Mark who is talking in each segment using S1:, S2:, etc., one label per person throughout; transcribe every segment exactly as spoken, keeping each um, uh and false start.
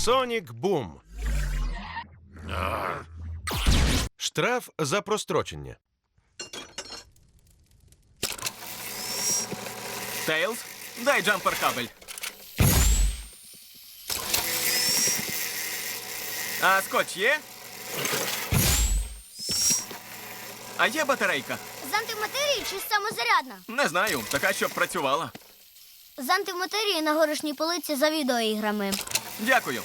S1: Сонік Бум. Штраф за прострочення.
S2: Тейлз, дай джампер-кабель. А скотч є? А є батарейка?
S3: З антиматерії чи самозарядна?
S2: Не знаю, така, щоб працювала.
S3: З антиматерії на горішній полиці за відеоіграми.
S2: Дякую.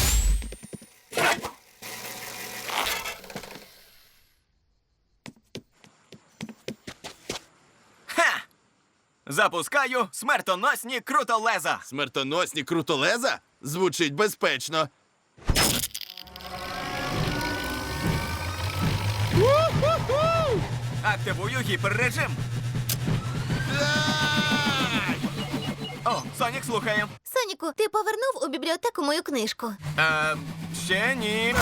S2: Ха! Запускаю смертоносні крутолеза.
S4: Смертоносні крутолеза? Звучить безпечно.
S2: Активую гіперрежим. О, Сонік слухає.
S5: Соніку, ти повернув у бібліотеку мою книжку.
S2: Е, ще ні.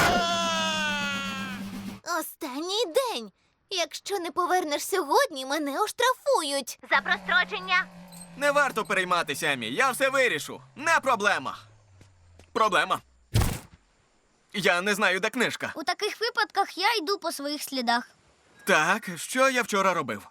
S5: Останній день. Якщо не повернеш сьогодні, мене оштрафують. За прострочення.
S2: Не варто перейматися, Емі. Я все вирішу. Не проблема. Проблема. Я не знаю, де книжка.
S3: У таких випадках я йду по своїх слідах.
S2: Так, що я вчора робив?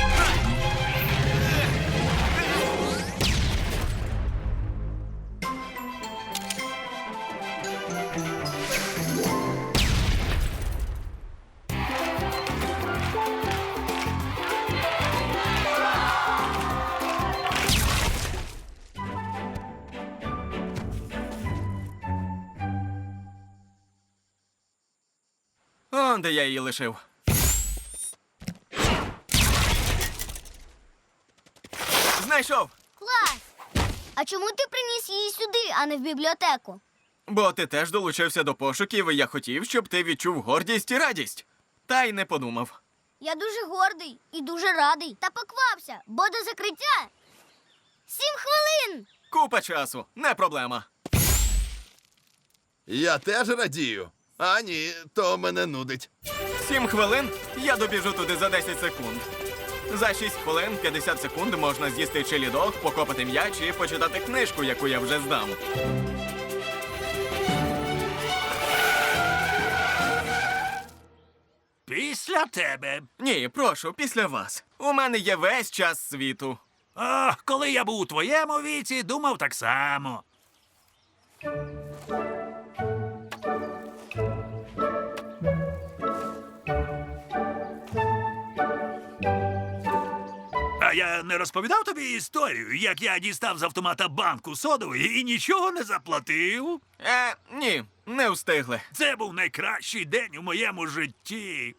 S2: Он де я її лишив. Знайшов!
S3: Клас! А чому ти приніс її сюди, а не в бібліотеку?
S2: Бо ти теж долучився до пошуків, і я хотів, щоб ти відчув гордість і радість. Та й не подумав.
S3: Я дуже гордий і дуже радий. Та поквапся, бо до закриття сім хвилин!
S2: Купа часу, не проблема.
S4: Я теж радію. А ні, то мене нудить.
S2: Сім хвилин я добіжу туди за десять секунд. За шість хвилин п'ятдесят секунд можна з'їсти чилі-дог, покопати м'яч і почитати книжку, яку я вже здам.
S6: Після тебе.
S2: Ні, прошу, після вас. У мене є весь час світу.
S6: Ох, коли я був у твоєму віці, думав так само. А я не розповідав тобі історію, як я дістав з автомата банку содової і нічого не заплатив?
S2: Е, ні, не встигли.
S6: Це був найкращий день у моєму житті.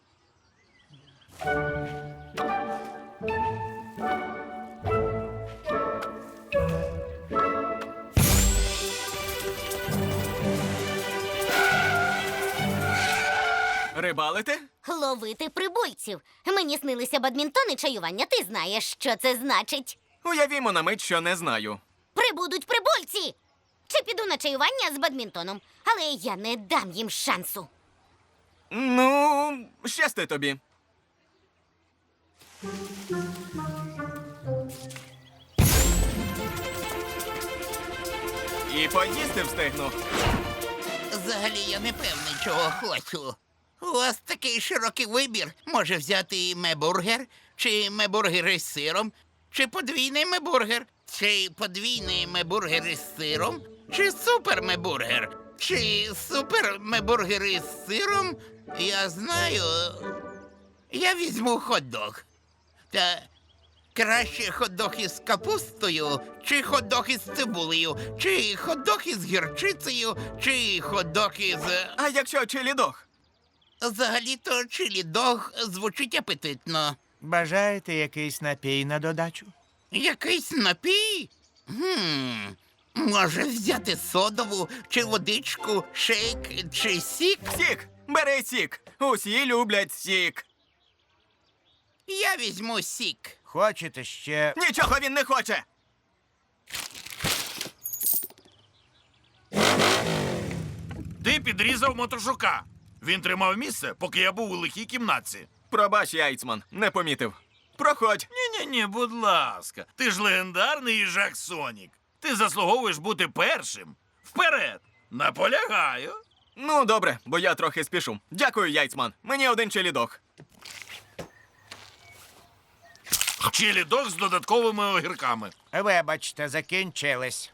S2: Рибалите?
S5: Ловити прибульців. Мені снилися бадмінтон і чаювання. Ти знаєш, що це значить.
S2: Уявімо на мить, що не знаю.
S5: Прибудуть прибульці! Чи піду на чаювання з бадмінтоном, але я не дам їм шансу.
S2: Ну, щасти тобі. І поїсти встигну.
S7: Взагалі я не певний, чого хочу. У вас такий широкий вибір. Може взяти і мебургер, чи мебургер із сиром, чи подвійний мебургер, чи подвійний мебургер із сиром, чи супер-мебургер, чи супер-мебургер із сиром. Я знаю, я візьму хот-дог. Та краще хот-дог із капустою, чи хот-дог із цибулею, чи хот-дог із гірчицею, чи хот-дог із...
S2: А якщо чилі-дог?
S7: Взагалі-то чилі-дог звучить апетитно.
S8: Бажаєте якийсь напій на додачу?
S7: Якийсь напій? Гм, може взяти содову, чи водичку, шейк, чи сік?
S2: Сік! Бери сік! Усі люблять сік!
S7: Я візьму сік.
S8: Хочете ще?
S2: Нічого він не хоче!
S6: Ти підрізав мотошука. Він тримав місце, поки я був у лихій кімнатці.
S2: Пробач, Яйцман, не помітив. Проходь.
S6: Ні-ні-ні, будь ласка. Ти ж легендарний їжак Сонік. Ти заслуговуєш бути першим. Вперед!
S4: Наполягаю.
S2: Ну, добре, бо я трохи спішу. Дякую, яйцман. Мені один челідок.
S4: Чилі-дог з додатковими огірками.
S8: Вибачте, закінчились.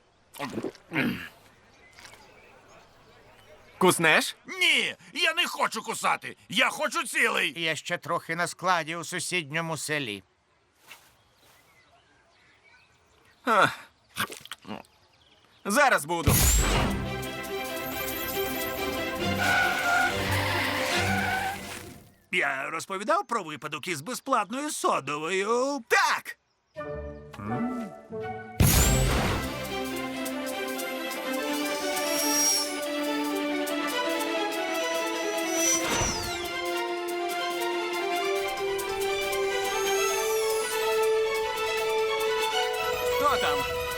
S2: Куснеш?
S4: Ні, я не хочу кусати. Я хочу цілий.
S8: Є ще трохи на складі у сусідньому селі.
S2: Ах. Зараз буду.
S6: Я розповідав про випадок із безплатною содовою.
S2: Так! Хто там?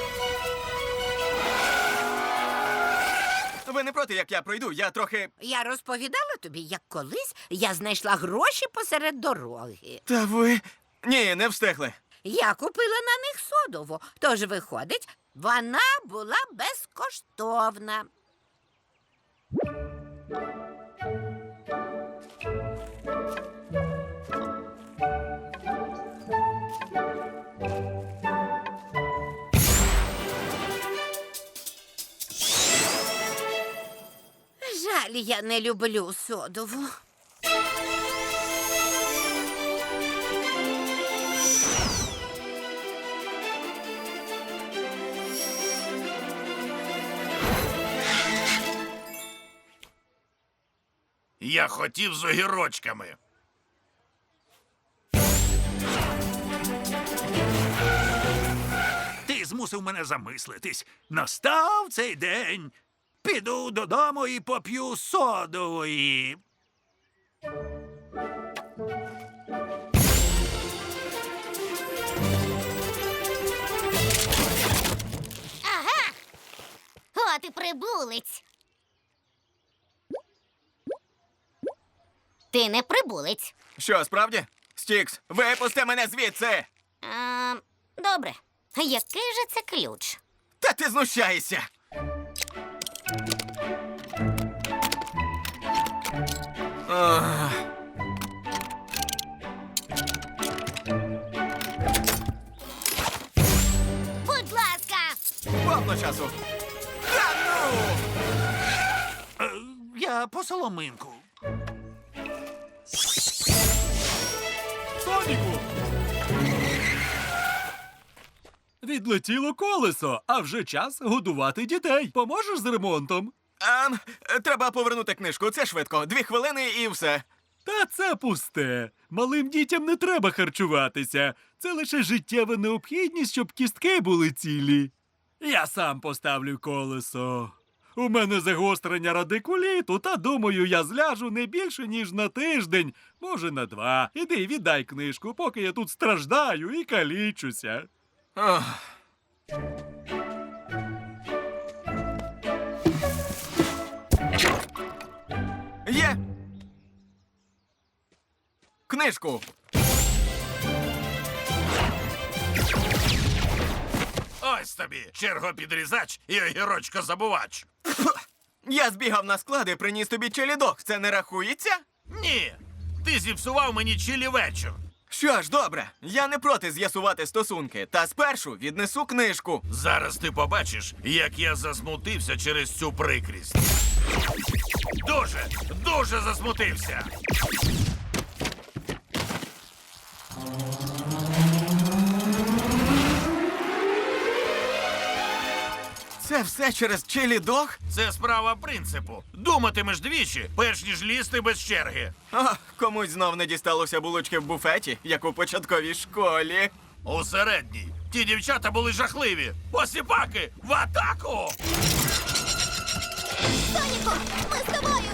S2: Ви не проти, як я пройду? Я трохи.
S9: Я розповідала тобі, як колись я знайшла гроші посеред дороги.
S2: Та ви. Ні, не встигли.
S9: Я купила на них содову, тож виходить, вона була безкоштовна. Жаль, я не люблю содову.
S4: Я хотів з огірочками.
S6: Ти змусив мене замислитись. Настав цей день. Піду додому і поп'ю содової.
S5: Ага. От і прибулець. Ти не прибулець.
S2: Що, справді? Стікс, випусти мене звідси!
S5: А, добре. Який же це ключ?
S2: Та ти знущаєшся! Ах.
S5: Будь ласка.
S2: Повно часу. Та ну!
S6: Е, я по соломинку.
S10: Соніку! Відлетіло колесо, а вже час годувати дітей. Поможеш з ремонтом?
S2: Ем, треба повернути книжку. Це швидко. Дві хвилини і все.
S10: Та це пусте. Малим дітям не треба харчуватися. Це лише життєва необхідність, щоб кістки були цілі. Я сам поставлю колесо. У мене загострення радикуліту, та думаю, я зляжу не більше, ніж на тиждень, може на два. Іди, віддай книжку, поки я тут страждаю і калічуся.
S2: Ох. Є! Книжку!
S4: Ось тобі чергопідрізач і огірочко-забувач.
S2: Я збігав на склад і приніс тобі челідок. Це не рахується?
S4: Ні, ти зіпсував мені чилі вечір.
S2: Що ж, добре. Я не проти з'ясувати стосунки. Та спершу віднесу книжку.
S4: Зараз ти побачиш, як я засмутився через цю прикрість. Дуже, дуже засмутився.
S2: Це все через челідок?
S4: Це справа принципу. Думатимеш двічі, перш ніж лізти без черги.
S2: О, комусь знов не дісталося булочки в буфеті, як у початковій школі.
S4: У середній. Ті дівчата були жахливі. Посіпаки, в атаку!
S3: Соніку, ми з тобою!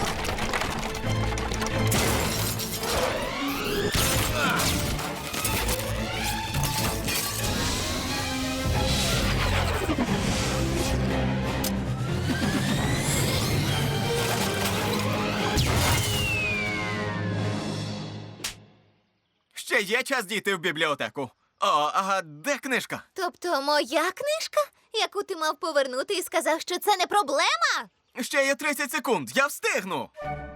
S2: Ще є час дійти в бібліотеку. О, а де книжка?
S3: Тобто моя книжка, яку ти мав повернути і сказав, що це не проблема?
S2: Ще є тридцять секунд. Я встигну.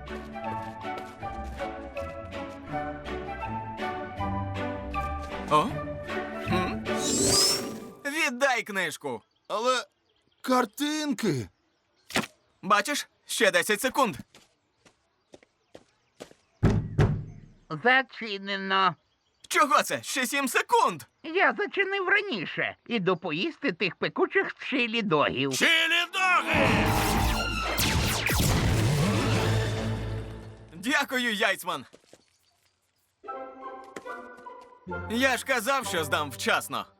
S2: О? Хм? Віддай книжку.
S4: Але картинки.
S2: Бачиш? Ще десять секунд.
S7: Зачинено.
S2: Чого це? Ще сім секунд.
S7: Я зачинив раніше. Іду поїсти тих пекучих чилі-догів.
S4: Чилі-доги!
S2: Дякую, Яйцман. Я ж казав, що здам вчасно.